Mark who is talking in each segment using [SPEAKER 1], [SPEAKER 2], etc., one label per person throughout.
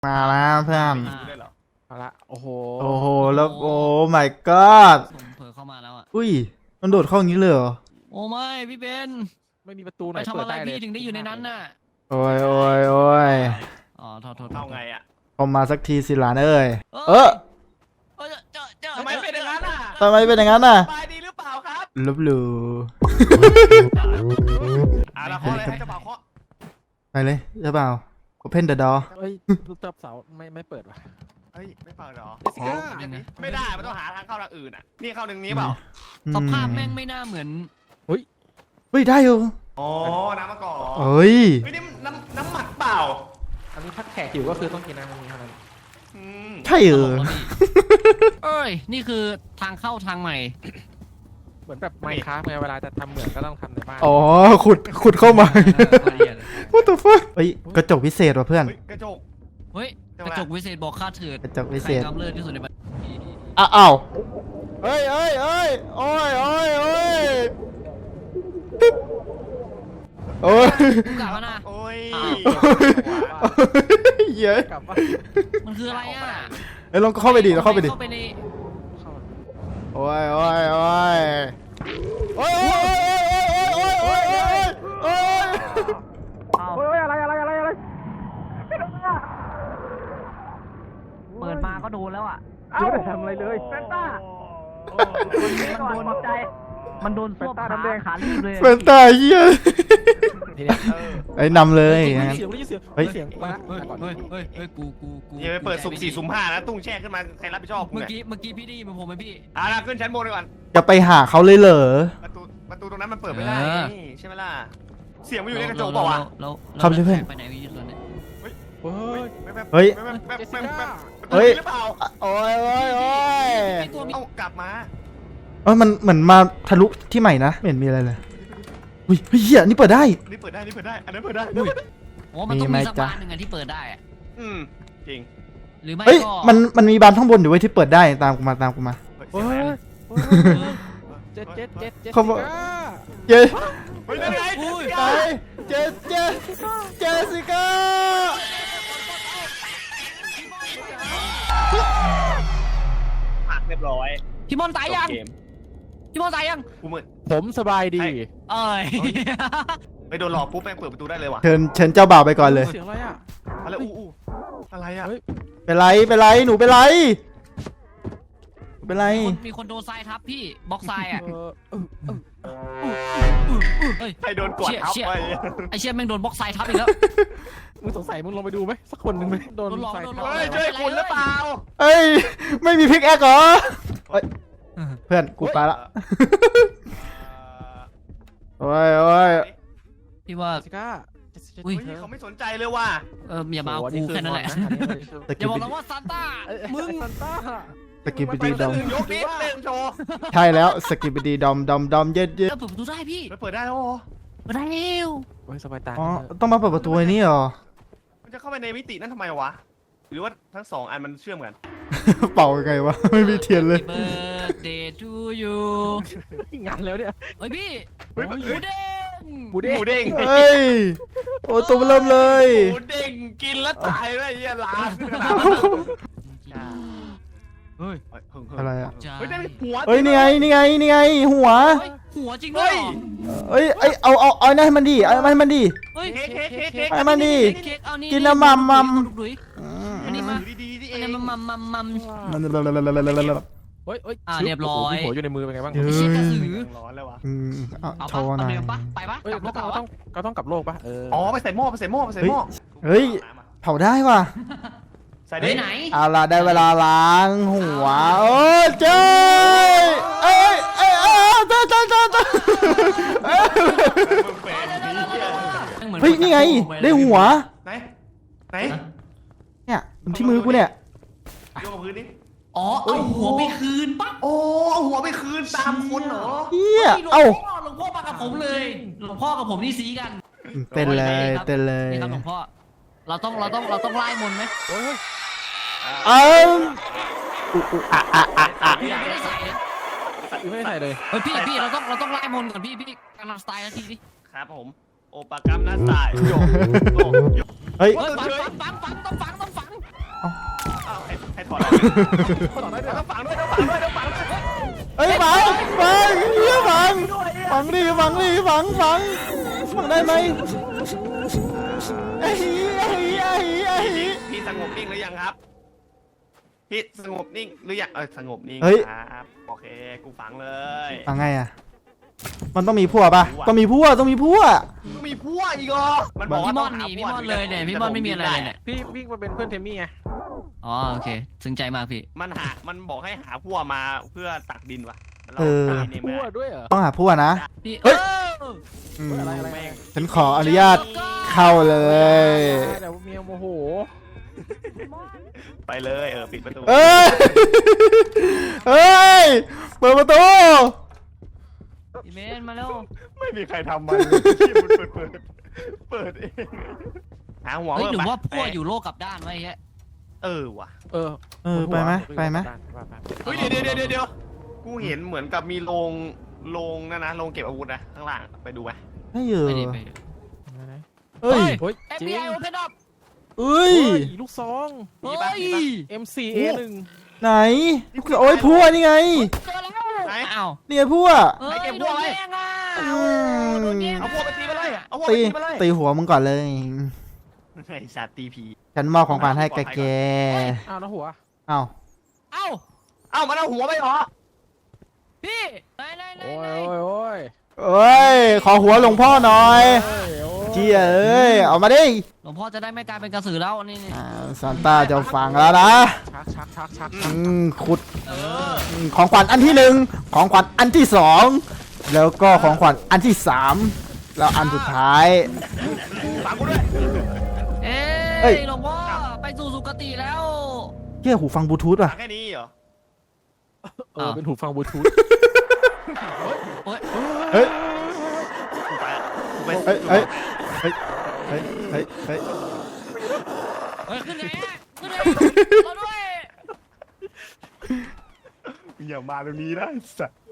[SPEAKER 1] มาแล้วเพื่อน
[SPEAKER 2] เอาละโอ้โห
[SPEAKER 1] แล้วโอ้ my god
[SPEAKER 3] ผมเผลอเข้ามาแล้วอ่ะ
[SPEAKER 1] อุ้ยมันโดดเข้าอย่างนี้เลยเหรอ
[SPEAKER 3] โอ้ไม่พี่เบน
[SPEAKER 2] ไม่มีประตูไหน
[SPEAKER 3] ไปทำอะไร
[SPEAKER 2] เปิดได้เลย
[SPEAKER 3] พี่ถึงได้อยู่ในนั้นน่ะ
[SPEAKER 1] โอ้ย
[SPEAKER 3] อ๋อโทษ
[SPEAKER 4] เอาไงอ่ะ
[SPEAKER 1] เข้ามาสักทีสิหลานเอ้ย
[SPEAKER 4] ทำไมเป็นอย่างนั้นอ่ะ
[SPEAKER 1] ทำไมเป็นอย่างนั้นน่ะ
[SPEAKER 4] สบายดีหรือเปล่าครับ
[SPEAKER 1] ลบหลู่
[SPEAKER 4] เราเคาะเลยให้เจ้าบ่าวเคาะ
[SPEAKER 1] ไปเลยเจ้าบ่าว Open the door
[SPEAKER 2] เฮ้ยลูกเตับเสาไม่เปิดว่ะ
[SPEAKER 4] เฮ้ยไม่เปิดหรอ
[SPEAKER 3] ไม่
[SPEAKER 4] ได้มันต้องหาทางเข้าทางอื่นอ่ะนี่เข้าหนึ่งนี้เปล่า
[SPEAKER 3] สภาพแม่งไม่น่าเหมือน
[SPEAKER 1] เฮ้ยได้อยู่
[SPEAKER 4] อ๋อน้ำมะกอก
[SPEAKER 1] เฮ้ย
[SPEAKER 4] นี่น้ำหมักเปล่า
[SPEAKER 2] อันนี้พักแขกอยู่ก็คือต้องกินน้ำนี้เท่านั้น
[SPEAKER 1] ใช่
[SPEAKER 3] เอ้ยนี่คือทางเข้าทางใหม่
[SPEAKER 2] เหมือนแบบไมค์คราฟเวลาจะทำเหมือนก็ต้องทำในบ้าน
[SPEAKER 1] อ๋อขุดเข้ามา What the fuck เฮ้ยกระจกพิเศษว่ะเพื่อน
[SPEAKER 4] กระจก
[SPEAKER 3] เฮ้ยกระจกวิเศษบอกค่าเถิด
[SPEAKER 1] กระจกวิเศษ
[SPEAKER 3] กำเริบที่สุดในบ้าน
[SPEAKER 1] อ้าวเฮ้ยโอ้ยโอ้ย
[SPEAKER 3] กลับมานะ
[SPEAKER 4] โอ้ย
[SPEAKER 1] เยอะ
[SPEAKER 2] กลับมา
[SPEAKER 3] มันคืออะไรอ่ะ
[SPEAKER 1] เฮ้ยลองเข้าไปดิเราเข้าไปดิ
[SPEAKER 3] เข้าไปใน
[SPEAKER 1] โอ้ยอะไร
[SPEAKER 3] เปิดมาก็โดนแล้วอ่ะ
[SPEAKER 2] ไม่ได้ทำอะไรเลย
[SPEAKER 4] เฟนต้า
[SPEAKER 3] มันโดนส้วมขาลีบเลย
[SPEAKER 1] เฟนต้าเหี้ยไอ้นำเลย
[SPEAKER 2] เฮ้ยเสียงมา
[SPEAKER 3] กู
[SPEAKER 4] อย่าไปเปิดสุ่ม4สุ่ม5นะตุ้งแช่ขึ้นมาใครรับผิดชอบ
[SPEAKER 3] เมื่อกี้พี่ได้ยินผมไหมพี่
[SPEAKER 4] ขึ้นชั้นบนก่อน
[SPEAKER 1] จะไปหาเขาเลยเหรอ
[SPEAKER 4] ประตูตรงนั้นมันเปิดไม่ได้ใช่ไหมล่ะเสียงมันอยู่ในกระจกเปล่าวะ
[SPEAKER 1] ทำใช่ไหม
[SPEAKER 3] ไปไหนพี่ตอนนี้
[SPEAKER 1] เฮ้ยโอ้ย
[SPEAKER 4] เอากลับมา
[SPEAKER 1] มันเหมือนมาทะลุที่ใหม่นะไม่เห็นมีอะไรเลยอุ้ยเฮียนี่เปิดได้
[SPEAKER 4] อันนั้นเปิดได้
[SPEAKER 3] โอ้มันต้องมีสักบานหนึ่งที่เปิดได้
[SPEAKER 4] จริง
[SPEAKER 3] หรือไม่
[SPEAKER 1] ก็มันมีบานข้างบนอยู่ไว้ที่เปิดได้ตามกูมาเขาบอกเจ๊เจสิก้า
[SPEAKER 4] ผักเรียบร้อย
[SPEAKER 3] พี่มอนตายยัง
[SPEAKER 2] ผมสบายดี
[SPEAKER 4] ไปโดนหลอกปุ๊บแม่งเปิดประตูได้เลยว่ะ
[SPEAKER 1] เชิญเจ้าบ่าวไปก่อนเลย
[SPEAKER 2] เสียงอะไรอ่ะ
[SPEAKER 4] อะไรอะไรอ่ะ
[SPEAKER 1] เป็นไรหนูเป็นไร
[SPEAKER 3] มีคนโดนทรายทับพี่บล็อกทรายอ่ะ
[SPEAKER 4] ใครโดนกดทับไป
[SPEAKER 3] ไอเชี่ยแม่งโดนบล็อกทรายทับอีกแล้ว
[SPEAKER 2] มึงสงสัยมึงลงไปดูไหมสักคนหนึ่งไหมโดน
[SPEAKER 3] ทราย
[SPEAKER 4] ช่วยคุณหรือเปล่า
[SPEAKER 1] เอ้ยไม่มีพิกแอคเหรอเพื่อนกูไปละโอ้ย
[SPEAKER 3] พี่ว่า
[SPEAKER 4] เขาไม่สนใจเลยว่ะ
[SPEAKER 3] อย่ามากูแค่นั้นแหละอย่าบอกเราว่าซานต้ามึง
[SPEAKER 2] ซานต้า
[SPEAKER 1] สกิปปี้ดอม
[SPEAKER 4] ยกนิดนึงโชว์
[SPEAKER 1] ใช่แล้วสกิปปี้ดอมเย็ด
[SPEAKER 3] เปิดประตูได้พี่
[SPEAKER 4] เปิดได้แล้ว
[SPEAKER 3] เปิดได้แล้ว
[SPEAKER 2] โอ้ยสบายตา
[SPEAKER 1] ต้องมาเปิดประตูนี่หรอ
[SPEAKER 4] มันจะเข้าไปในมิตินั่นทำไมวะหรือว่าทั้ง2อันมันเชื่อมกัน
[SPEAKER 1] เป่าไงวะไม่มีเทียนเลย
[SPEAKER 3] Birthday to you
[SPEAKER 2] งานแล้วเนี่ย
[SPEAKER 3] เฮ้ยพี่
[SPEAKER 4] หมูเด้ง
[SPEAKER 1] เฮ้ยโอ้ตัวเริ่มเลย
[SPEAKER 4] หมูเด้งกินแล้วตายเลยยี่ล้าน
[SPEAKER 1] อะไรอ่ะ
[SPEAKER 4] ได้หัว
[SPEAKER 1] นี่ไงหัว
[SPEAKER 3] จริงด้วย
[SPEAKER 1] เอ้ยเอานั่นให้มันดีเอาให้มันดีให้มันดีกินน้ำมัม
[SPEAKER 3] อันนี้มาอันนี้มัมเรียบร้อย
[SPEAKER 2] หัวอยู่ในมือเป็นไงบ้าง
[SPEAKER 3] เชี่ยกระสือ
[SPEAKER 4] ร้อนเลยวะ
[SPEAKER 3] เอาปะเอาเรือปะไปปะกลับโลก
[SPEAKER 2] ก็ต้องกลับโลกปะ
[SPEAKER 4] ไปใส่หม้อ
[SPEAKER 1] เฮ้ยเผาได้ว่ะ
[SPEAKER 4] ใส่ได้
[SPEAKER 3] ไหน
[SPEAKER 1] เอาล่ะได้เวลาล้างหัวโอ้เจ้เอ้ยเฮ้ยนี่ไงได้หัว
[SPEAKER 4] ไหน
[SPEAKER 1] เนี่ยที่มือกูเนี่ย
[SPEAKER 4] โยกพื้นนี่
[SPEAKER 3] เอาหัวไปคืนปะ
[SPEAKER 4] เอาหัวไปคืนตามคนเหรอ
[SPEAKER 1] เฮียห
[SPEAKER 3] ลวงพ่อมากับผมเลยหลวงพ่อกับผมนี่ซีกัน
[SPEAKER 1] เต้นเลย
[SPEAKER 3] นี่ครับหลวงพ่อเราต้องไล่มนไหม
[SPEAKER 2] ไม่ได้ใส่เลย
[SPEAKER 3] เฮ้ยพี่เราต้องไล่มนก่อนพี่กำลังสไตล์นาทีดิ
[SPEAKER 4] ครับผมโอปากรรมน่าสายโยก
[SPEAKER 1] เฮ้ย
[SPEAKER 3] ฝังต้องฝัง
[SPEAKER 4] ถอดอะไรต้องฝังด้วยต้องฝังด้วยต้องฝังด้วย
[SPEAKER 1] เฮ้ยฝังเฮียฝังได้ไหมไอ้เหี้ย
[SPEAKER 4] พี่สงบนิ่งหรือยังครับพี่สงบนิ่งหรือยังสงบนิ่งครับโอเคกูฝังเลย
[SPEAKER 1] ฝังไงอ่ะมันต้องมีพั่วป่ะต้องมีพั่ว
[SPEAKER 4] มีพวกอีกเหรอมันบอก
[SPEAKER 3] พี่
[SPEAKER 4] ว่าม ต้
[SPEAKER 3] อ
[SPEAKER 4] อง
[SPEAKER 3] นห
[SPEAKER 4] หา
[SPEAKER 3] นี
[SPEAKER 4] พ
[SPEAKER 3] พี่
[SPEAKER 4] วก
[SPEAKER 3] มอนเลยเนี่ยพี่มอนไม่มีอะไรเลยเนี่ย
[SPEAKER 2] พี่วิ่งมาเป็นเพื่อนเทมมี่ไง
[SPEAKER 3] อ๋อโอเคซึ้งใจมากพี่
[SPEAKER 4] มันบอกให้หาพวกมาเพื่อตักดินว่ะ
[SPEAKER 2] พั่วด้วยเหรอ
[SPEAKER 1] ต้องหาพั่วนะ
[SPEAKER 3] พี่
[SPEAKER 1] เฮ้ย
[SPEAKER 2] อะไร
[SPEAKER 4] แม่ง
[SPEAKER 1] ฉันขออนุญาตเข้าเลย
[SPEAKER 2] เดี๋ยวเมียโมโห
[SPEAKER 4] ไปเลยปิดประตู
[SPEAKER 1] เอ้ยเปิดประตู
[SPEAKER 3] พี่เมนมาแล้ว
[SPEAKER 4] ไม่มีใครทำมันเปิดเองหาหัว
[SPEAKER 3] เฮ้ยหรือว่าพวกอยู่โลกกับด้านไว้แค่
[SPEAKER 4] ว่ะ
[SPEAKER 1] ไปไหม
[SPEAKER 4] เฮ้ยเดี๋ยวกูเห็นเหมือนกับมีโรงนั่นนะโรงเก็บอาวุธนะข้างล่างไปดูไหม
[SPEAKER 1] ไม่อยู่
[SPEAKER 3] ไปดิไปดิ
[SPEAKER 1] เฮ้ย
[SPEAKER 2] เฮ้ย
[SPEAKER 3] FBI open up
[SPEAKER 1] เอ้ย
[SPEAKER 2] ลูกซอง
[SPEAKER 3] เฮ้ย
[SPEAKER 2] MCA1
[SPEAKER 1] ไหนโอ้ยพั่วนี่ไง
[SPEAKER 3] เจอแล้วอ้าว
[SPEAKER 1] นี่ไงพั่ว
[SPEAKER 3] เฮ้ยโดนแย่งอ่ะโดนแย่ง
[SPEAKER 4] เอาพวกไปตีไปเลยเอาพวก
[SPEAKER 1] ตี
[SPEAKER 4] ไปตีไปเลย
[SPEAKER 1] ตีหัวมึงก่อนเลย
[SPEAKER 4] ไอ้สัตว์ตีผี
[SPEAKER 1] ฉันมอบของขวัญให้แก
[SPEAKER 2] อ้าวแล้วหัว
[SPEAKER 1] เอ้า
[SPEAKER 3] เอ้า
[SPEAKER 4] เอ้ามันเอาหัวไปเหรอ
[SPEAKER 3] พี่ไหน
[SPEAKER 2] โอ้ย
[SPEAKER 1] เอ้ยขอหัวหลวงพ่อหน่อยเจี๊ยเอ้ยเอามาดิ
[SPEAKER 3] หลวงพ่อจะได้ไม่กลายเป็นกระสือแล้วนี่
[SPEAKER 1] ซานต้าจะฟังแล้วนะ
[SPEAKER 2] ชัก
[SPEAKER 1] ขุด
[SPEAKER 3] เออ
[SPEAKER 1] ของขวัญอันที่หนึ่งของขวัญอันที่สองแล้วก็ของขวัญอันที่สามแล้วอันสุดท้าย
[SPEAKER 4] ฝังกูด้วย
[SPEAKER 3] เอ้
[SPEAKER 1] เอ้ย
[SPEAKER 3] ยหลวงพ่อไปสู่สุคติแล้ว
[SPEAKER 1] เกี่ยหูฟังบลูทูธ
[SPEAKER 4] ฝั
[SPEAKER 1] ป่ะ
[SPEAKER 4] งแค่นี้เหรอ
[SPEAKER 2] เป็นหูฟังบลูทูธ
[SPEAKER 3] โอ้ย
[SPEAKER 1] เฮ้ย
[SPEAKER 4] กูไปละกูไป
[SPEAKER 1] เฮ้ยเฮ้ยเฮ้ยเฮ้ยเฮ้ยเฮ้ย
[SPEAKER 3] เฮ้ยขึ้นไงอะขึ้นไงเราด้วย
[SPEAKER 4] อย่ามาตรงนี้นะสัตว์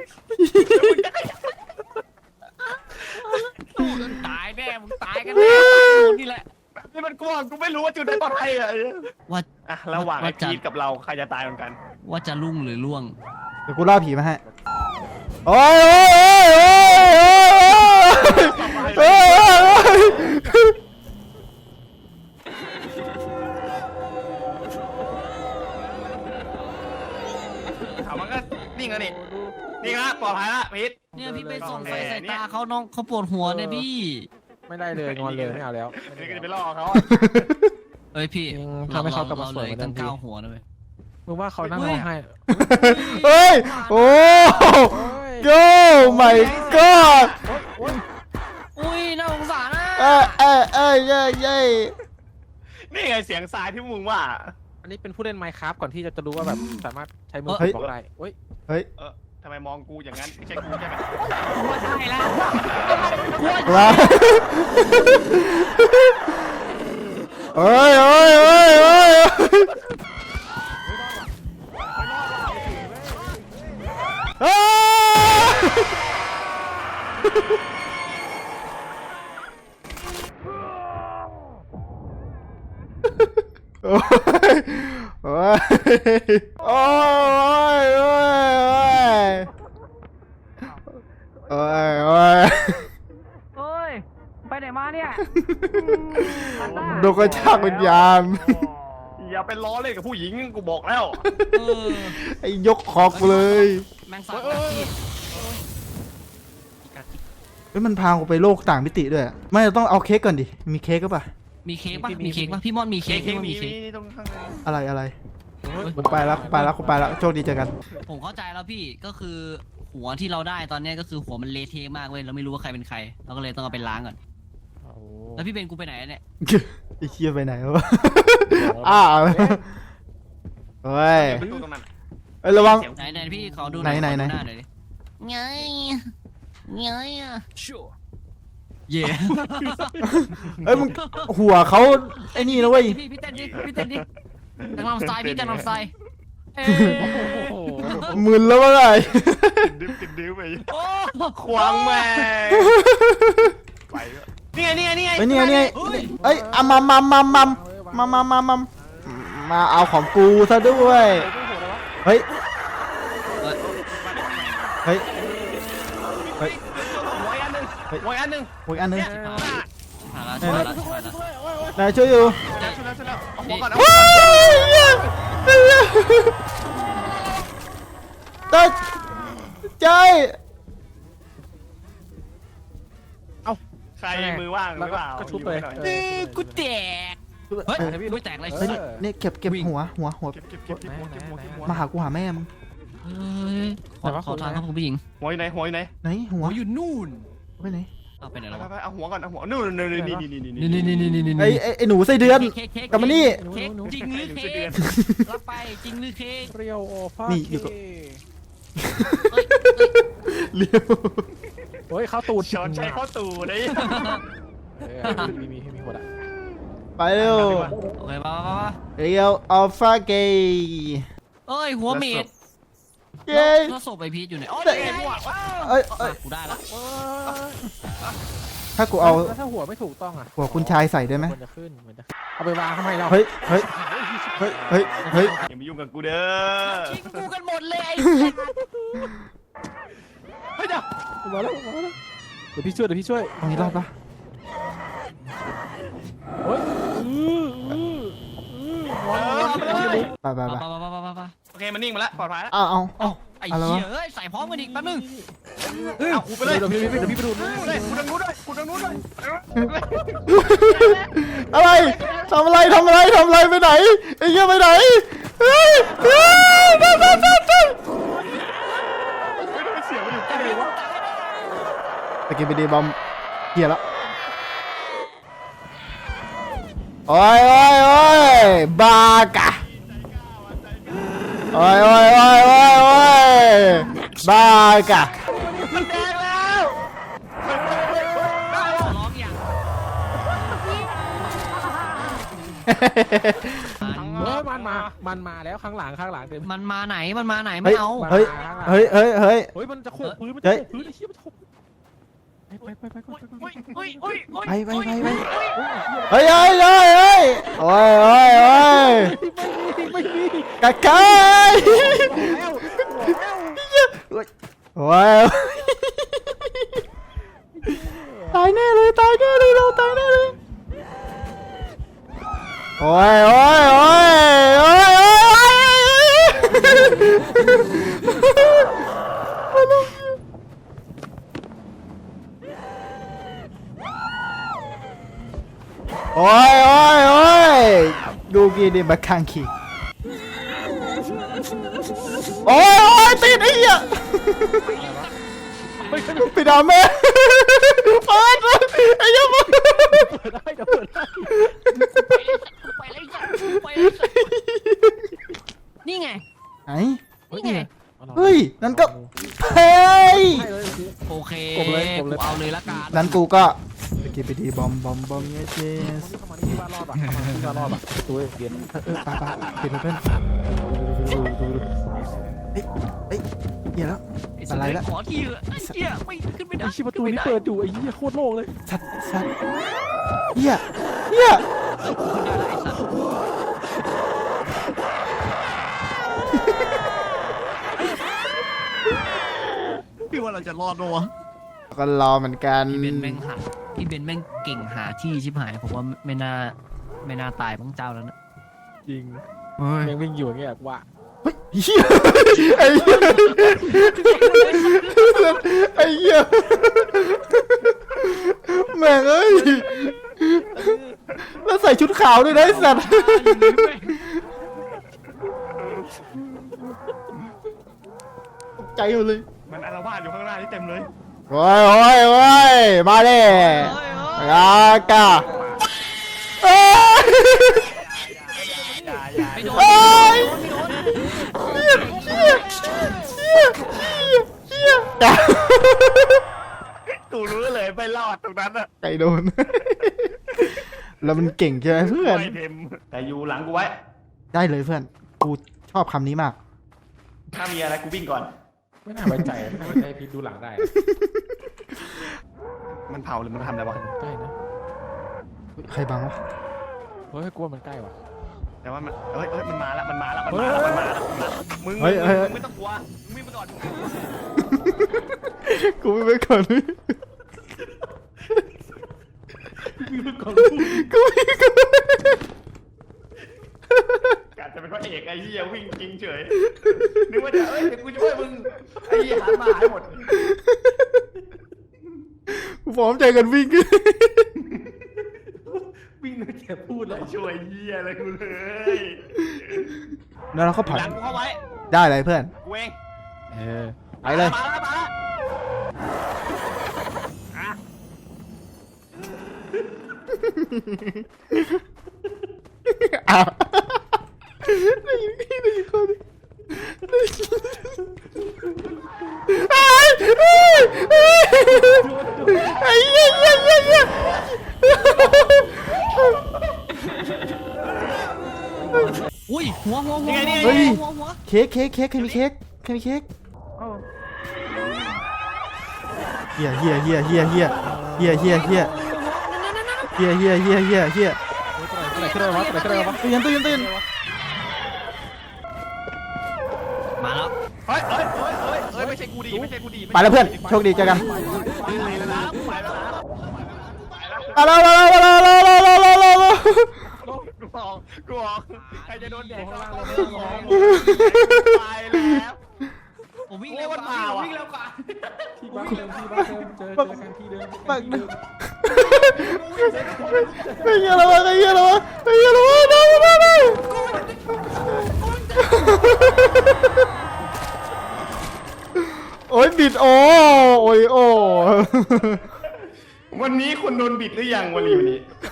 [SPEAKER 3] สู้จนตายแน่มึงตายกันแน่ตายหมดนี่แหละ
[SPEAKER 4] นี่มันกลัวกูไม่รู้ว่าจุดไหนปลอดภัยอ่ะ
[SPEAKER 3] ว่า
[SPEAKER 4] ระหว่างไอ้พีทกับเราใครจะตายเหมือนกัน
[SPEAKER 3] ว่าจะลุ่งหรือล่วง
[SPEAKER 1] เดี๋ยวกูล่าผีมาให้โอ้ยโอ้ย
[SPEAKER 4] เอามันก็นิ่งแล้วนี่ครับปลอดภัยละพีท
[SPEAKER 3] เนี่ยพี่ไปส่องไฟใส่ตาเขาน้องเขาปวดหัวเนี่ยพี่
[SPEAKER 2] ไม่ได้เลยงอนเลยไม่เอาแล้ว
[SPEAKER 4] นี่ก็จะไปล่อเขา
[SPEAKER 3] เอ้ยพี่
[SPEAKER 2] ทำให้เขากลับมาสวย
[SPEAKER 3] เห
[SPEAKER 2] เหมื
[SPEAKER 3] ลื
[SPEAKER 2] อน
[SPEAKER 3] ตั้
[SPEAKER 2] เดิ
[SPEAKER 3] ง
[SPEAKER 2] ม
[SPEAKER 3] 9หัวนะเว้ย
[SPEAKER 2] มึงว่าเขานั่งร้องไห้
[SPEAKER 1] เฮ้ยโอ้โย่ my god
[SPEAKER 3] อุ้ยน่าสงสารนะ
[SPEAKER 1] เย้
[SPEAKER 4] นี่ไงเสียงทรายที่มึงว่า
[SPEAKER 2] อันนี้เป็นผู้เล่น Minecraft ก่อนที่จะรู้ว่าแบบสามารถใช้มือบอกได้เฮ้ย
[SPEAKER 1] เฮ้ย
[SPEAKER 4] ทำไมมองกูอย่างนั้นไม่ใช่กูใช่ไหม
[SPEAKER 3] กลัวตายแล้วกลัว
[SPEAKER 1] มาเฮ้ยโอ้ยโอ้ยโอ้ยโอ้ยโอ้ยโอ้ย
[SPEAKER 3] เฮ้ยไปไหนมาเนี่ย
[SPEAKER 1] โดนกระชากวิญญาณ
[SPEAKER 4] อย่าไปล้อเล่นกับผู้หญิงกูบอกแล้ว
[SPEAKER 1] ไอ้ยกคอกเลย
[SPEAKER 3] แมงสาบกัดพี่
[SPEAKER 1] เฮ้ยมันพากูไปโลกต่างมิติด้วยไม่ต้องเอาเค้กก่อนดิมีเค้กก็ปะ
[SPEAKER 3] มีเค้กป่ะมีเค้กป่ะพี่มอนมีเค้กพี่มอนมีเค้ก
[SPEAKER 4] ตรงข้างใน
[SPEAKER 1] อะไรกูไปแล้วโชคดีเจอกัน
[SPEAKER 3] ผมเข้าใจแล้วพี่ก็คือหัวที่เราได้ตอนนี้ก็คือหัวมันเละเทะมากเว้ยเราไม่รู้ว่าใครเป็นใครเราก็เลยต้องเอาไปล้างก่อนแล้วพี่เบนกูไปไหนเนี่ย
[SPEAKER 1] ไอ้เชี่ยไปไหนวะอ้าวเฮ้ย
[SPEAKER 4] ประตูตรงนั้น
[SPEAKER 1] เอ้ยระวัง
[SPEAKER 3] ไหนพี่ขอดู
[SPEAKER 1] ไหน
[SPEAKER 3] ขอดูน้าหน่อยดิไงอ่ะเย่
[SPEAKER 1] เอ้ยมึงหัวเขาไอ้นี่นะเว้ย
[SPEAKER 3] พี่เต้นดิจังลำสไตล์พี่จังลำสไตล์เอ้
[SPEAKER 1] มึนแล้ววะไง
[SPEAKER 4] ติดดิ้วไป
[SPEAKER 3] โอ้
[SPEAKER 4] ควางแม่ไปนี่ไง
[SPEAKER 1] ไอ้นี่ไงเอ้ยอะมัมมาเอาของกูซะด้วย เฮ้ย เฮ้ย เฮ้ย
[SPEAKER 4] หัวอีกอันหนึ่งหัวอีกอันหนึ่ง
[SPEAKER 1] โอ้ยอันนึง
[SPEAKER 3] ผ่านแล้วช่วยแล้วช่วยแล้ว
[SPEAKER 1] นายช่วยอยู่
[SPEAKER 4] ช่วยแล้วเอาหัวก่อนเอา
[SPEAKER 1] เฮ้ยตัดใจ
[SPEAKER 4] ใครมือว่างหรือเปล่า
[SPEAKER 2] ก็ชุบเลย
[SPEAKER 3] กูแตกเฮ้ยไม่แตกอะไร
[SPEAKER 1] เฮ้ยนี่เก็บหัว
[SPEAKER 4] เก็บหัว
[SPEAKER 1] มาหากูหาแม่มึง
[SPEAKER 3] เฮ้ยขอทางครับคุณผู้หญิง
[SPEAKER 4] หัวอยู่ไหนหัวอยู่ไหน
[SPEAKER 1] ไหนหัว
[SPEAKER 3] อยู่นู่น
[SPEAKER 1] ไปไหน
[SPEAKER 3] เอาไปไหนแล้ว
[SPEAKER 4] ไปเอาหัวก่อนเอาหัวนู่นนี่
[SPEAKER 1] ไอ้หนูไส้เดือน กลับมานี่
[SPEAKER 3] เค้กจริงหรือเค้กรับไปจริงหรือเค้ก
[SPEAKER 2] เรียวโอฟา
[SPEAKER 1] นี่อยู่กับ เลี้ยว
[SPEAKER 2] เฮ้ยเข้าตูด
[SPEAKER 4] ช้อนใช้ข้อตู่เลย
[SPEAKER 2] มีหัวละ
[SPEAKER 1] ไปเร็ว
[SPEAKER 3] โอเคป่ะ
[SPEAKER 1] เรียวอัลฟาเกย์
[SPEAKER 3] เอ้ยหัวเมด
[SPEAKER 1] เย้
[SPEAKER 3] แล้วศพไอพีทอยู่ไหนอ๋อ
[SPEAKER 1] เอ้
[SPEAKER 3] นี่
[SPEAKER 1] ย
[SPEAKER 3] ไง
[SPEAKER 1] เอ้ย
[SPEAKER 3] กูได้ละ
[SPEAKER 1] ถ้ากูเอา
[SPEAKER 2] แล้วถ้าหัวไม่ถูกต้องอ่ะ
[SPEAKER 1] หัวคุณชายใส่ได้ไหม
[SPEAKER 2] มันจะขึ้นเอาไปวางทำไมเรา
[SPEAKER 1] เฮ้ย เฮ้ย เฮ้ย เฮ้ย เฮ้ย
[SPEAKER 4] อย่ามายุ่งกับกูเด้อ
[SPEAKER 3] ทิ้งกูกันหมดเลย
[SPEAKER 2] เฮ้ยเดี๋ยวมาแล้วเดี๋ยวพี่ช่วย
[SPEAKER 1] ตรงนี้รอดปะ
[SPEAKER 2] เฮ้ย
[SPEAKER 1] ไปไปไป
[SPEAKER 4] โอเคมันนิ่งมาแล้วปลอดภัยแล้ว
[SPEAKER 1] เอา
[SPEAKER 3] ไอ้เหี้ยเอ้ยใส่พร้อมกันอีกแป๊บนึง
[SPEAKER 4] เอากูไปเลย
[SPEAKER 2] เดี๋ยวพี่ไปดู
[SPEAKER 4] เลยกูทางนู้นด้วยกูทางนู้นด้วย
[SPEAKER 1] อะไรทำอะไรไปไหนไอ้เหี้ยไปไหนเฮ้ยตัด
[SPEAKER 4] เสียงมันอยู่ใกล้เลยวะ
[SPEAKER 1] ตะกี้ไปดีบอมเหี้ยแล้วโอ้ยบากะโอ้ยบากะ
[SPEAKER 4] มันแดงแล้ว
[SPEAKER 3] ร้องอย่าง
[SPEAKER 2] มันมาแล้วข้างหลังเต็ม
[SPEAKER 3] มันมาไหนไม่เอา
[SPEAKER 1] เฮ้ย
[SPEAKER 2] เฮ้ยมันจะโขกพื้นไอ้เหี้ยมันจะโขกไป
[SPEAKER 1] ไปเฮ้ยโอ้ย
[SPEAKER 2] ไม่มี
[SPEAKER 1] กะกาย
[SPEAKER 2] แล้ว
[SPEAKER 1] โอ้ยตายแน่เลยเราตายแน่เลยโอ้ยดูกี่ดิบักคังคีโอ้ยติดไอ้เหี้ยไปด่าแม่เปิดไอ้เหี้ย
[SPEAKER 2] เปิดได้
[SPEAKER 3] นี่ไง
[SPEAKER 1] ไหน
[SPEAKER 3] นี่ไง
[SPEAKER 1] เฮ้ยนั่นก็เฮ้ย
[SPEAKER 3] โอเค
[SPEAKER 2] กบเลย
[SPEAKER 3] กูเอาเลยละกัน
[SPEAKER 1] นั้นกูก็ไปกินไปดีบอมเยส
[SPEAKER 2] เข้ามาที่บ้านรอดป่ะตัวเย็น
[SPEAKER 1] ไปปิดเพื่อนเฮ้ยเหี้ยแล้ว อะไรละ
[SPEAKER 3] ขอทีไอ้เหี้ยไม่ขึ้นไม่ได้
[SPEAKER 2] ไอ้ชิประตูนี้เปิดอยู่ไอ้เหี้ยโคตรโล่งเลย
[SPEAKER 1] สัตว์เหี้ย
[SPEAKER 3] พี่ว่าเราจะรอดมั้วะ
[SPEAKER 1] ก็รอเหมือนกัน
[SPEAKER 3] พี่เบนแม่งเก่งหาที่ชิบหายผมว่าไม่น่าตายบ้างเจ้าแล้วนะ
[SPEAKER 2] จริง
[SPEAKER 1] เฮ้ย
[SPEAKER 2] ยังวิ่งอยู่อย่างเงี้ยว่า
[SPEAKER 1] เหี้ยไอ้เหี้ยแม่งเอ้ยแล้วใส่ชุดขาวด้วยนะไอ้สัตว์ตกใจหมดเลย
[SPEAKER 4] มันอาละวาดอยู่ข้างหน้านี่เต็มเลย
[SPEAKER 1] โอ้ยมาเด้อากาเอ้ย
[SPEAKER 3] ไม่โดน
[SPEAKER 1] เอ้ยกา
[SPEAKER 4] กูรู้เลยไม่รอดตรงนั้นอะ
[SPEAKER 1] ไก่โดน แล้วมันเก่งใช่ไหมเพื่อน
[SPEAKER 4] ไม่เต็มแต่อยู่หลังกูไว้
[SPEAKER 1] ได้เลยเพื่อน กูชอบคำนี้มาก
[SPEAKER 4] ถ้ามีอะไรกูวิ่งก่อน
[SPEAKER 2] ไม่น่าไว้ใจให้พี่ดูหลังได้
[SPEAKER 4] มันเผาหรือมันทำอะไรวะ
[SPEAKER 2] ใกล้นะ
[SPEAKER 1] ใครบังวะ
[SPEAKER 2] เฮ้ยกลัวมันใกล้ว่ะ
[SPEAKER 4] แต่ว่ามันมันมาแล้วมึงไม่ต้องกลัวมึงวิ่งไปก่อน
[SPEAKER 1] กูไม่ไปก่อนเลยกูไม่ก่อน
[SPEAKER 4] กะจะเป็นพระเอกไอ้เหี้ยวิ่งจริงเฉยนึกว่าเดี๋ยวกูช่วยมึงไอ้เหี้ยหันมาหายหมด
[SPEAKER 1] กูพร้อมใจกันวิ่ง
[SPEAKER 2] วิ่งแค่พูดแล้ว
[SPEAKER 4] ช่วยเหี้ยอะไรกูเลย
[SPEAKER 1] แล้วเราก็ผัด
[SPEAKER 4] หลังกูเข้าไว้
[SPEAKER 1] ได้เลยเพื่อน
[SPEAKER 4] กูเอง
[SPEAKER 1] ไปเลย
[SPEAKER 4] มาแล้วอ่ะ
[SPEAKER 1] อ้าวได้ยินคนได้ยินไอ้เหี้ย
[SPEAKER 3] อุ้ยหัว
[SPEAKER 1] เฮ้ยเค้กใครมีเค้กเฮียตื่น
[SPEAKER 3] มาแล้ว
[SPEAKER 4] เฮ้ยไม่ใช่กูดี
[SPEAKER 1] ไปแล้วเพื่อนโชคดีเจอกัน
[SPEAKER 4] ไปแล้วนะไปแล้วนะ
[SPEAKER 1] มาแล้ว
[SPEAKER 4] กูออกใครจะโดนแดกก็ไปแล้ว
[SPEAKER 3] ผมวิ่ง
[SPEAKER 4] เรี
[SPEAKER 3] เร็
[SPEAKER 4] ยว ก
[SPEAKER 3] ก
[SPEAKER 4] ว่า
[SPEAKER 3] ว่า
[SPEAKER 4] มาว่ะ
[SPEAKER 2] ที่บ้านเดิมเจอกันที่เดิม
[SPEAKER 1] ไอ้เหี้ยแล้ววะโอ้ยบิดโอ้ย
[SPEAKER 4] วันนี้คุณโดนบิดหรือยังวันนี้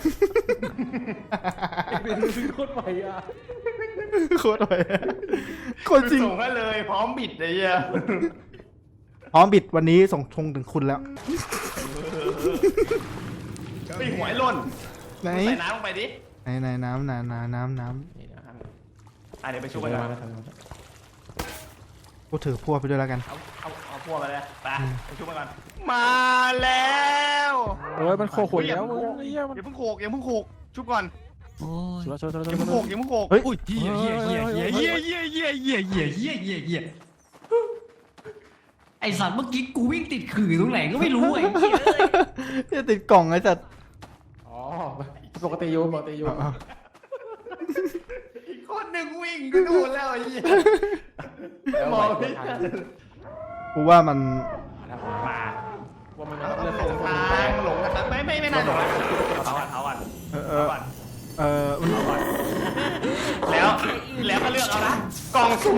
[SPEAKER 2] เป็นโคตรใหม่อ่ะ
[SPEAKER 1] โคตรเลยคนจริง
[SPEAKER 4] ส่งให้เลยพร้อมบิดเลยอ่ะ
[SPEAKER 1] พร้อมบิดวันนี้ส่งทงถึงคุณแล้ว
[SPEAKER 4] ไปหวยหล่น
[SPEAKER 1] ไหน
[SPEAKER 4] ใส่น้ำลงไปดิ
[SPEAKER 1] ไหนน้ำ
[SPEAKER 4] เดี๋ยวไปช่วยกัน
[SPEAKER 1] กูถือพวกไปด้วยแล้วกัน
[SPEAKER 4] เอาพวกมาเลยไปช่วยกันมาแล้ว
[SPEAKER 2] โอ้ยมันโคขวยแล้วมึงเหี้ยมัน
[SPEAKER 4] อย่าเพิ่งโขกชุบก่อน
[SPEAKER 3] โอ้ย
[SPEAKER 2] ช่วย
[SPEAKER 4] อย่าเพิ่งโขก
[SPEAKER 1] เฮ้ย
[SPEAKER 3] เหี้ยไอสัตว์เมื่อกี้กูวิ่งติดขื่อตรงไหนก็ไม่รู้ไอ้เหี้ย
[SPEAKER 1] จะติดกล่องไอ้สัตว์
[SPEAKER 2] อ๋อปกติอยู่
[SPEAKER 4] อีกคนหนึ่งวิ่งก็ดูแล้วไอ้เหี้ยมองไม่ทัน
[SPEAKER 1] กูว่ามัน
[SPEAKER 4] มา
[SPEAKER 2] ว่ามัน
[SPEAKER 4] หล
[SPEAKER 2] เริ่ม
[SPEAKER 4] งทางหลงนะครับไม่น่าหลงเขาอ่ะ แล้วก็เลือกเอานะกล่องสุ่ม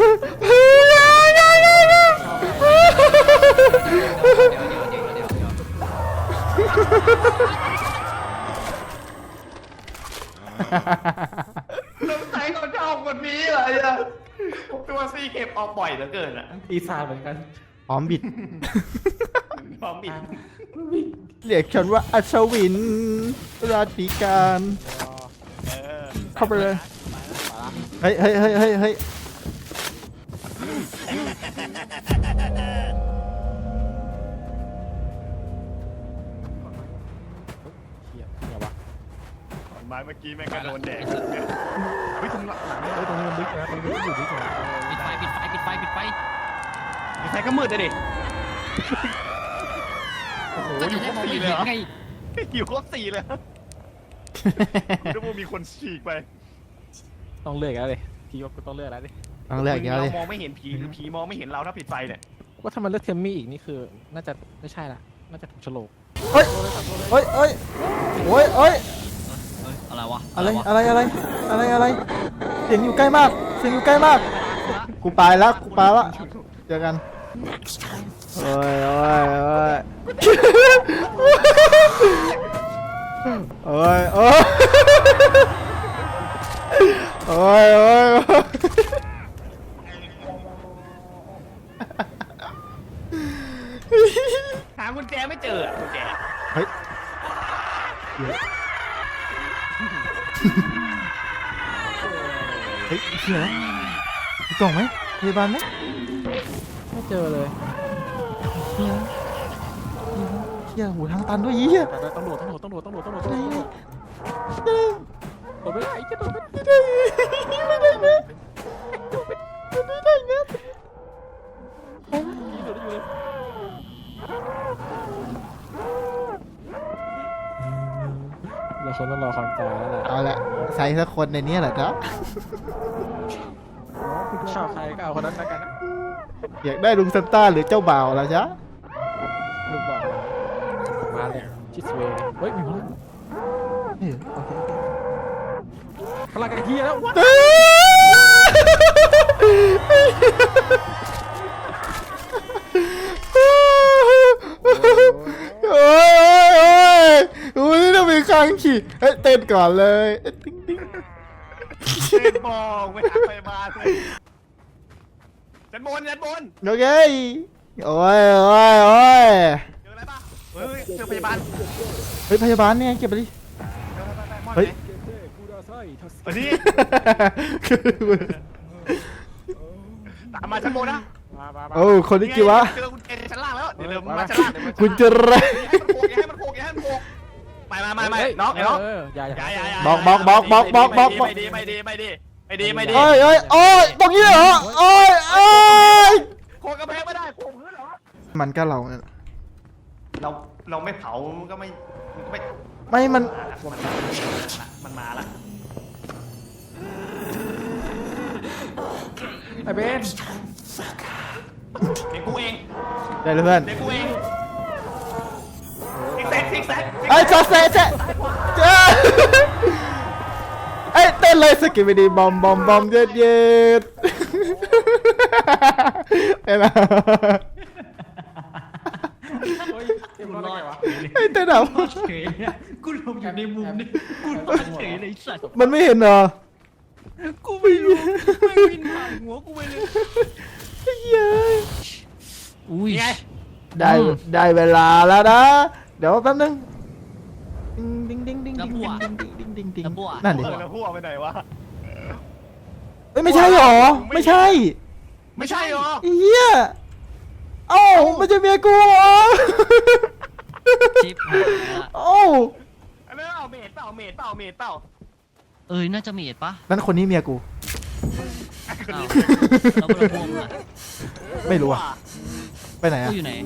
[SPEAKER 4] น้ำใสเขาชอบคนนี้เลยอะตัวซีเก็บออกบ่อยเหลือเกินอะ
[SPEAKER 2] ปีศาจเหมือนกัน
[SPEAKER 1] พร้อมบิด
[SPEAKER 4] พร้อมบิด
[SPEAKER 1] เรียกฉันว่าอัศวินราชการ เข้าไปเลย เฮ้ย
[SPEAKER 4] ไม้เมื่อกี้แม่งก็โดนแดดเฮ้ยตรงหลัง
[SPEAKER 2] ตรงนี้มันลึกนะตรงนี้มันอยู่ลึกนะ
[SPEAKER 3] ปิดไฟ
[SPEAKER 4] ไฟก็มืดเลยดิโอ้โห
[SPEAKER 3] ก็
[SPEAKER 4] อ
[SPEAKER 3] จะ
[SPEAKER 4] ยู่ค
[SPEAKER 3] ได้
[SPEAKER 4] รบ
[SPEAKER 3] มอง
[SPEAKER 4] สี่
[SPEAKER 3] ไม่
[SPEAKER 4] เลย
[SPEAKER 3] เห็น
[SPEAKER 4] เหรอ
[SPEAKER 3] ไง
[SPEAKER 4] อยู่ครบสี่เลยนึกว่ามีคนฉีกไป
[SPEAKER 2] ต้องเลือกแล้วเลยพี่ว่าต้องเลือกแล้วดิ
[SPEAKER 1] ต้องเลือกอีกแล้ว
[SPEAKER 4] เรา
[SPEAKER 1] ดิ
[SPEAKER 4] มองไม่เห็นผีหรือผีมองไม่เห็นเราถ้าปิดไฟเนี่ย
[SPEAKER 2] ว่าถ้ามันเลือกเทมมี่อีกนี่คือน่าจะไม่ใช่ละน่าจะถูกโฉลก
[SPEAKER 1] เฮ้ย
[SPEAKER 3] อะไรวะ
[SPEAKER 1] อะไรเสียงอยู่ใกล้มากกูไปแล้วเจอกันโอ้ย
[SPEAKER 4] หากุญแจไม่เจอกุญแจ
[SPEAKER 1] เฮ้ยเหี้ยมีกล่องไหมพยาบาลไหม
[SPEAKER 2] ไม่เจอเลย
[SPEAKER 1] เหี้ยหูทางตันด้วยเหี้ย
[SPEAKER 2] ต้องโดดโดดไม่ได้จะโดดไม่ได้
[SPEAKER 1] ไม่ได้นะไม่ได้นะ
[SPEAKER 2] โดดได้อยู่เลยเราคนต้องรอความตายแล้วแหละ
[SPEAKER 1] เอาละใส่สักคนในนี้แหละครับ
[SPEAKER 2] ชอบใครก็เอาคนนั้นแล้วกันนะ
[SPEAKER 1] อยากได้ลุงซันต้าหรือเจ้าบ่าวล่ะจ๊ะ
[SPEAKER 2] ลูกบอกมาเลยชิสเวย์เฮ้ยมีคน
[SPEAKER 1] โอเค
[SPEAKER 2] พลังกันทีแล้ววัด
[SPEAKER 1] โอ้ยโอ้ยนี่ต้องมีครั้งขี่เฮ้ยเต้นก่อนเลยติ๊งติ๊ง
[SPEAKER 4] เล่นบอกไปหาพยาบาลเลยยันบนยันบน
[SPEAKER 1] โอเคโอ้ยโอ้ยโอ้ย
[SPEAKER 4] เจออะไรป่ะเฮ้ยเจอพยาบาล
[SPEAKER 1] เฮ้ยพยาบาลเนี่ยเก็บไปดิ
[SPEAKER 4] เฮ้ย
[SPEAKER 2] เฮ้ย
[SPEAKER 4] วันนี้ตามมาชั้นบนนะ
[SPEAKER 1] โอ้คนนี้กี่วะ
[SPEAKER 4] เจอคุณเจชั้นล่างแล้วเดี๋ยวเริ่มมาชั้นล่างเดี๋ยวมา
[SPEAKER 1] คุณจะไร
[SPEAKER 4] อย่าให้มันโผล่อย่าให้มันโผล่ไม่น้องน้อง
[SPEAKER 2] อย่า
[SPEAKER 4] ไม่ดีไม่ดีไม่ดีไม่ดีไม่ดี
[SPEAKER 1] โอ้ยโอ้ยโอ้ยตรงนี้เหรอโอ้ยโอ้ย
[SPEAKER 4] โผล่กระแพงไม่ได้โผล่พื้นเหรอ
[SPEAKER 1] มันก็เราเนี่ย
[SPEAKER 4] เราไม่เผามันก็ไม่
[SPEAKER 1] ไม่มัน
[SPEAKER 4] มันมาละ
[SPEAKER 2] ไอ้เบน
[SPEAKER 4] เด็กกูเอง
[SPEAKER 1] ได้เลยเพื่อน
[SPEAKER 4] เด็กกูเองซิกแซก
[SPEAKER 1] ไอ้ยจอเซเจ๊ไอ้เต้นเลยสกิปไปดีบอมบอมบอมเย็ดเย็ดไอ้ละ
[SPEAKER 2] เฮ้ยเต็มรอดวะ
[SPEAKER 1] ไอ้เต้นอ่ะ
[SPEAKER 3] เฉยเนี่ยกูลงอยู่ในมุมนี่กูรอดเฉยเลยสัตว์
[SPEAKER 1] มันไม่เห็นเหรอ
[SPEAKER 3] กูไม่รู้ไม่วินผ่านหัวกูไปเลย
[SPEAKER 1] ไอ้เหี้ย
[SPEAKER 3] อุ้ย
[SPEAKER 4] ไง
[SPEAKER 1] ได้เวลาแล้วนะ เดี๋ยวแป๊บนึงดิ้งดิ้งดิ้งดิ้งดิ้งดิ้งดิ้งดิ้งนั่นดิ
[SPEAKER 4] แล้วพวกไปไหนวะ
[SPEAKER 1] เอ้ยไม่ใช่หรอไม่ใช่
[SPEAKER 4] ไม่ใช่หรอ
[SPEAKER 1] ไอ้เหี้ยเอ้ามันจะเมียกูเหรอ
[SPEAKER 3] ชิปหายละ
[SPEAKER 1] เอ้า
[SPEAKER 4] อันนั้นเอาเมดเปล่าเมดเปล่า
[SPEAKER 3] น่าจะเมดปะ
[SPEAKER 1] นั่นคนนี้เมียกู
[SPEAKER 3] อ้าวแล้วพวกมึงอะ
[SPEAKER 1] ไม่รู้อะไปไหน
[SPEAKER 3] กู
[SPEAKER 1] อะ
[SPEAKER 3] อยู่ไหน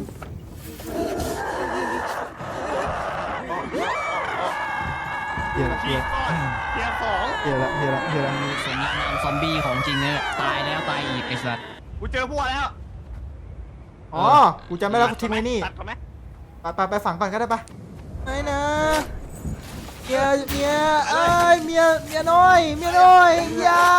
[SPEAKER 1] เฮียละ
[SPEAKER 4] เทียร์ก่อนเทียร์สอง
[SPEAKER 1] เฮียละเฮียละเฮียละ
[SPEAKER 3] สมนามซอมบี้ของจริงเนี่ยตายแล้วตายอีกไอ้สัตว์
[SPEAKER 4] กูเจอพวกแล้ว
[SPEAKER 1] อ๋อ กูจำได้แล้วกูทิ้งไว้นี่
[SPEAKER 4] ตัดก่อนไหม
[SPEAKER 1] ไปฝังก่อนก็ได้ปะไม่นะเมียเอ้ยเมียน้อยอย่า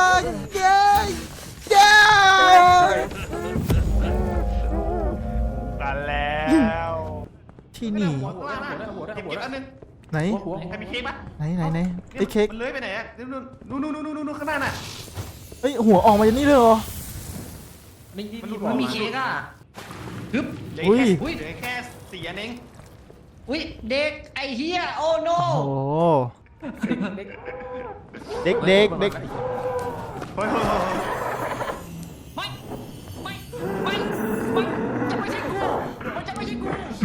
[SPEAKER 4] ตัดแล้ว
[SPEAKER 1] ที่นี่
[SPEAKER 4] หัวข้างล่างนะเก็บอันนึง
[SPEAKER 1] ไหน
[SPEAKER 2] หัว
[SPEAKER 4] ใครมีเค้กปะ
[SPEAKER 1] ไหนไอ้เค้ก
[SPEAKER 4] มันเลื้อยไปไหนอะนู่นข้างหน้าน่ะ
[SPEAKER 1] เฮ้ยหัวออกมาจากนี่เลยเหรอ
[SPEAKER 2] นี่
[SPEAKER 3] มันมีเค้กอ่ะฮึบ
[SPEAKER 4] เหลือ
[SPEAKER 1] อุ้ย
[SPEAKER 4] แค่4อันเอง
[SPEAKER 3] อุ้ยเด็กไอ้เฮียโอ้โน
[SPEAKER 1] โอ้โหเด็ก
[SPEAKER 4] เฮ้ย
[SPEAKER 3] ไม่จะไม่ใช่กูมันจะไม่ใช่กู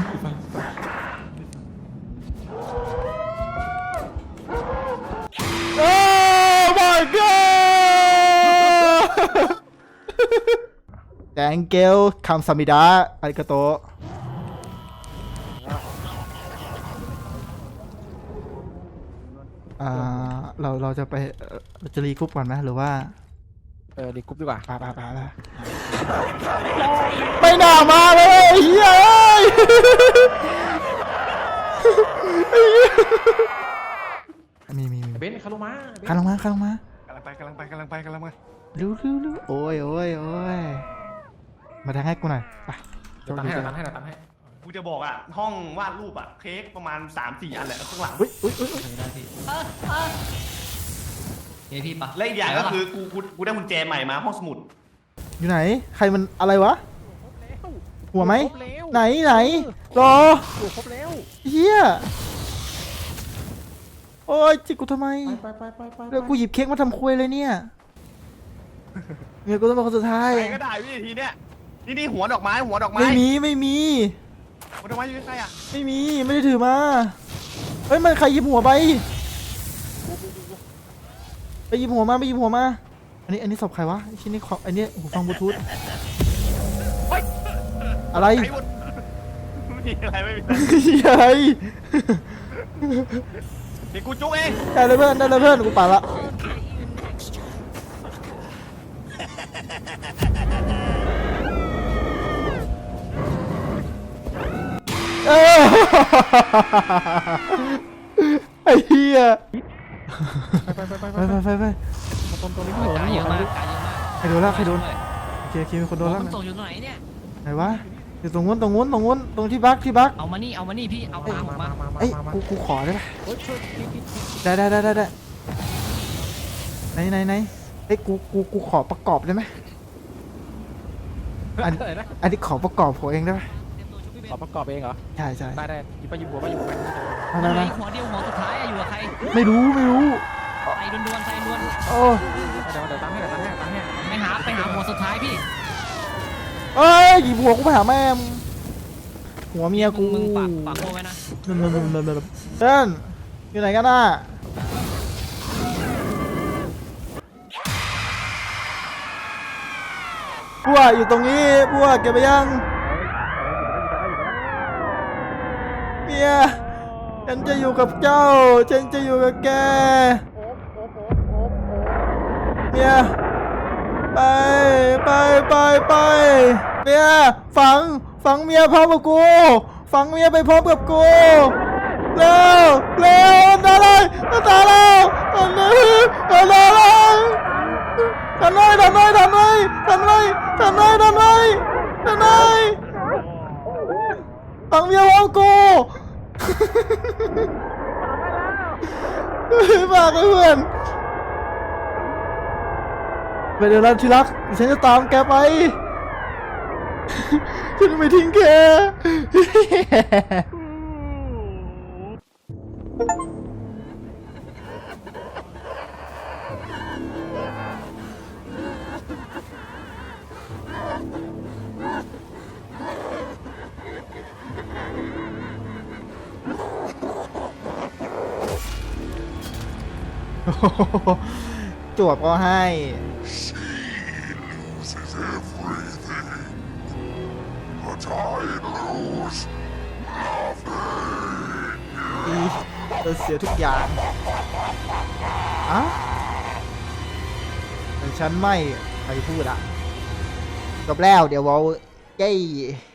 [SPEAKER 1] โอ้ my god thank you คำสมิดาอาริกาโตเราจะไปจะรีกรุ๊ปก่อนไหมหรือว่า
[SPEAKER 2] ดีกรุ๊ปดีกว่า
[SPEAKER 1] ไปไม่น่ามาเลยเฮ้ยมี
[SPEAKER 2] เบนคารุมา
[SPEAKER 1] ข้างลงมาก
[SPEAKER 4] ำลังไป
[SPEAKER 1] เร็วโอ้ยมาทางให้กูหน่อยไป
[SPEAKER 2] ตันให้
[SPEAKER 4] กูจะบอกอ่ะห้องวาดรูปอ่ะเค้กประมาณ 3-4 อันแหละข้างหลัง
[SPEAKER 1] อุ้ย
[SPEAKER 3] เฮ้ยพี่ปะ
[SPEAKER 4] และอีกอย่างก็คือกูได้กุญแจใหม่มาห้องสมุด
[SPEAKER 1] อยู่ไหนใครมันอะไรวะหัวไหมไหนรอ
[SPEAKER 2] หัวครบแล้ว
[SPEAKER 1] เฮียโอ้ยจิกกูทำไม
[SPEAKER 2] ไป
[SPEAKER 1] เดี๋ยวกูหยิบเค้กมาทำคุยเลยเนี่ยเมียกูต้องเป็นคนสุดท้าย
[SPEAKER 4] ใครก็ได้วิธีเนี้ยนี่หัวดอกไม้
[SPEAKER 1] ไม่มี
[SPEAKER 4] หัวดอกไม้อยู่ใกล้ๆอ่ะ
[SPEAKER 1] ไม่ได้ถือมาเฮ้ยมันใครหยิบหัวไปไปหยิบหัวมาไปหยิบหัวมาอันนี้ศพใครวะไอ้ชิ้นนี้ของอันนี้หูฟังบลูทูธอะไร
[SPEAKER 4] ไอ้วุฒิไม่มีอะไรไม่มีอะไร
[SPEAKER 1] ใหญ่
[SPEAKER 4] เดี๋ยวกูจุกเอง
[SPEAKER 1] ได้เลยเพื่อนได้เลยเพื่อนกูป่าละเออไอ้เหี้ย
[SPEAKER 2] ไป
[SPEAKER 1] ไป
[SPEAKER 2] ตรงนี้ไม่โดน
[SPEAKER 3] กายเยอะมากกายเยอะมาก
[SPEAKER 1] ใครโดนละใครโดนโอเคมีคนโดน
[SPEAKER 3] หัว
[SPEAKER 1] ละ
[SPEAKER 3] มันตกอยู่ตรงไหนเนี่ย
[SPEAKER 1] ไหนวะอยู่ตรงนู้นตรงที่บัก
[SPEAKER 3] เอามานี่พี่เอาตามผมมา
[SPEAKER 1] เอ้ยกูขอได้ปะ
[SPEAKER 2] โอ้ยช่วยพี่
[SPEAKER 1] ได้ไหนเอ้ยกูขอประกอบได้ไหม
[SPEAKER 2] อะไรนะ
[SPEAKER 1] อันนี้ขอประกอบผมเองได้ปะ
[SPEAKER 3] เตรียมตัวชุบพี่เบน
[SPEAKER 2] ขอประกอบเองเหรอ
[SPEAKER 1] ใช่
[SPEAKER 2] ได้หยิบไปหยิบหัวไปหยิบหัว
[SPEAKER 1] ได้
[SPEAKER 3] ไหนหัวเดียวหัวสุดท้ายอะอยู่กับใคร
[SPEAKER 1] ไม่รู้
[SPEAKER 3] ใส่ดวนๆใส่ดวน
[SPEAKER 1] โอ้
[SPEAKER 2] เดี๋ยวตั้งให้
[SPEAKER 3] ไปหาหัวสุดท้ายพี่
[SPEAKER 1] เอ้ยหยิบหัวกูไปหาแม่มหัวเมียกู
[SPEAKER 3] มึงฝากโบไว้นะ
[SPEAKER 1] เดินอยู่ไหนกันน่ะบัวอยู่ตรงนี้บัวเก็บไปยังเมียฉันจะอยู่กับเจ้าฉันจะอยู่กับแกเมียไปเมียฝังเมียพร้อมกับกูฝังเมียไปพร้อมกับกูเร็วตายเลยทำไมทำไมฝังเมียพร้อมกูฝากเพื่อนไปเดี๋ยวนะที่รักฉันจะตามแกไปฉันไม่ทิ้งแก จวบก็ให้ เราเสียทุกอย่างอะแต่ฉันไม่ใครพูดอะจบแล้วเดี๋ยวเราเย้